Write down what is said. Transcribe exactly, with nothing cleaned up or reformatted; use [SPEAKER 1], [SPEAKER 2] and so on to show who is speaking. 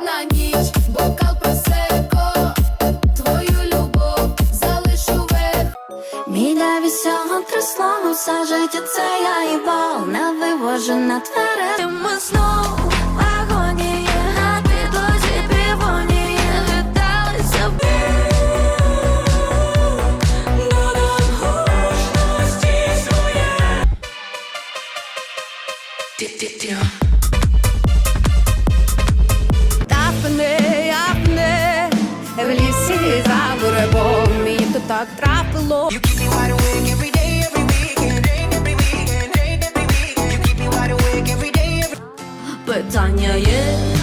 [SPEAKER 1] одна ніч, бокал просеко, твою любов залишу век.
[SPEAKER 2] Біля вісього трясло, все життя це я їбал, не вивожу на твере. Ми знову в агонії, на підлозі півонії, віталися б. Додам гучності своє.
[SPEAKER 1] Апне, апне, в лісі за буревом, мені то так трапило.
[SPEAKER 3] You keep me wide awake every day, every weekend, every weekend, every weekend. You keep me wide awake every day, every
[SPEAKER 2] Питання є,